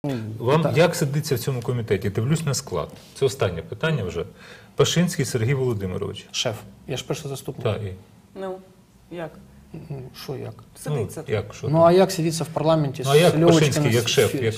Вам так. як сидиться в цьому комітеті? Дивлюсь на склад. Це останнє питання вже. Пашинський Сергій Володимирович. Шеф, я ж перший заступник. Так, і. Ну, як? Що як? Сидиться. Як, що Ну там? а як сидіться в парламенті Ну, а як з Льовочкою? Пашинський, як шеф? Як?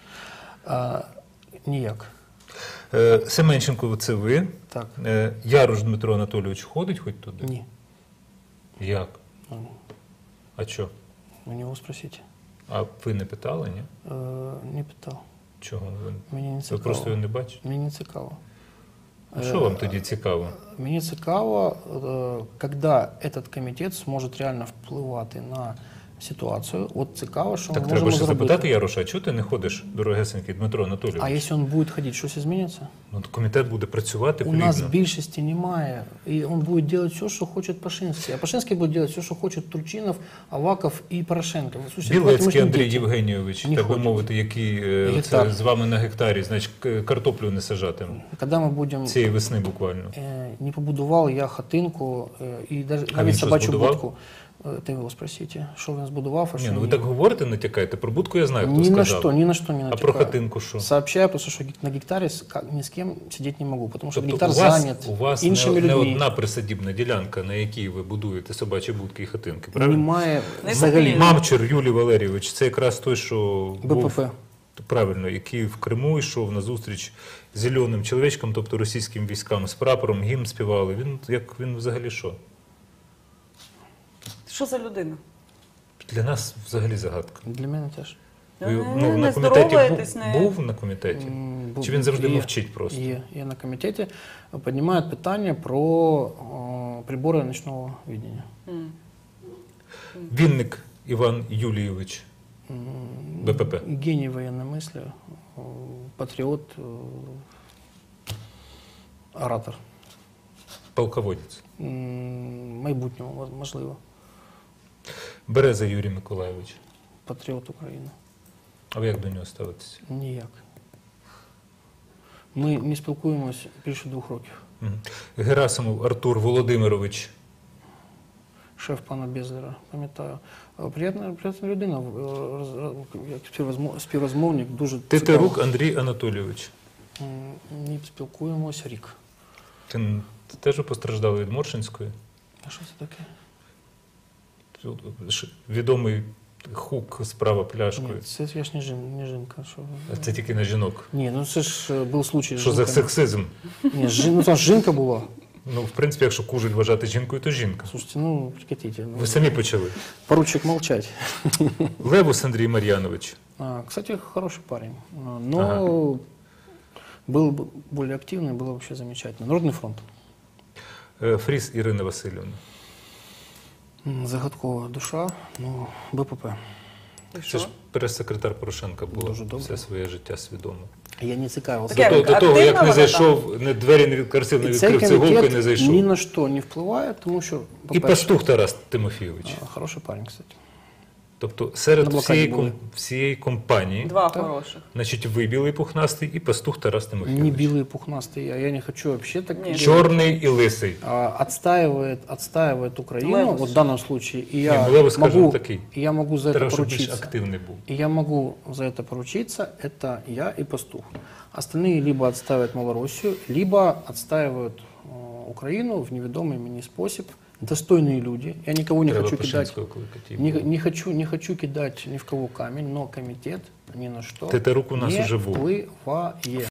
Ніяк. Семенченко, це ви. Так. Яруш Дмитро Анатолійович ходить хоч туди? Ні. Як? Ну, А що? у нього спросіть. А ви не питали, ні? Не питав. Чого? Мені не Ви цікаво. просто його не бачите? Мені не цікаво. А що вам тоді цікаво? Мені цікаво, коли цей комітет зможе реально впливати на ситуацію. От цікаво, що Так ми треба можемо ще зробити. запитати Яруша, а чого ти не ходиш, дорогесенький Дмитро Анатолійович? А якщо він буде ходити, щось зміниться? Ну, комітет буде працювати У плідно. нас більшості немає, і він буде робити все, що хоче Пашинський. А Пашинський буде робити все, що хоче Турчинов, Аваков і Порошенко. Слушайте, Білецький ми Андрій діти. Євгенійович, Не так би хочуть. мовити, який Гектар. це з вами на гектарі, значить, картоплю не сажатиме. Коли ми будемо... Цієї весни буквально. Не побудував я хатинку і він навіть що, собачу збудував? будку. Ти його спросіть, що він збудував, а Ні, що ну ви ні. так говорите, натякаєте. Про будку я знаю, хто Ні сказав. на що не натякаю. А про хатинку що? Сообщаю просто, що на гектарі ні з ким сидіти не можу, тому що Тобто гектар зайнят у вас іншими не людьми. одна присадібна ділянка, на якій ви будуєте собачі будки і хатинки, правильно? Немає Не взагалі. потрібно. Мамчур Юлій Валерійович, це якраз той, що був, БПП. правильно, який в Криму йшов на зустріч зеленим чоловічком, тобто російським військам, з прапором, гімн співали. Він взагалі що? Що за людина? Для нас взагалі загадка. Для мене теж. Ви, Не на комітеті здороваєтесь, не... був на комітеті? Був. Чи він завжди Є. мовчить просто? Є на комітеті. Піднімають питання про прибори ночного видіння. М. Вінник Іван Юлійович, БПП. Геній воєнної мислі, патріот, оратор. Полководець. Майбутнього, можливо. Береза Юрій Миколайович. Патріот України. А ви як до нього ставитеся? Ніяк. Ми не спілкуємось більше 2 років. Мгм. Герасимов Артур Володимирович. Шеф пана Безлера, пам'ятаю. Приємна людина, як співрозмовник, дуже Тетерук цікаво. Андрій Анатолійович. Не спілкуємось рік. Ти теж постраждав від Моршинської? А що це таке? Відомий хук справа пляшкою. Ні, це я ж не жінка. Що... А це тільки на жінок. Ні, ну це ж був случай з Що за жінками. сексизм? Ні, ну там ж жінка була. Ну, в принципі, якщо кужель вважати жінкою, то жінка. Слушайте, ну, прекратите. Ну, Ви самі почали. поручик молчать. Левус Андрій Мар'янович. Кстати, хороший парень. Но был бы более активный, было вообще замечательно. Народный фронт. Фріс Ірина Васильівна. Загадкова душа, ну, БПП. І Це що? ж прес-секретар Порошенка була Дуже добре. все своє життя свідомо. Я не цікавився. Таке До того, як не активна зайшов, двері не відкрив, не І цей відкрив цеголки, комітет не зайшов. ні на що не впливає, тому що, І по-перше, пастух Тарас Тимофійович. хороший парень, кстати. Тобто серед На блокаді були. всієї компанії, Два Так. хороших. значить, ви білий пухнастий і пастух Тарас Не Тимофійович. белый и пухнастый, а я не хочу вообще так Нет. делать. Чорний і лисий. Отстаивает Украину, Левус. вот в данном случае, и Не, я, ну, Левус, скажем, могу, такий. и я могу за это Треба, щоб більш поручиться. активний був. И я могу за это поручиться, это я и пастух. Остальные либо отстаивают Малороссию, либо отстаивают Украину в неведомый мне способ. Достойные люди. Я никого не Треба хочу кидать. Пашинського кликати. Не хочу кидать ни в кого камень, но комитет ни на что Тетерук у нас не уже був. впливає.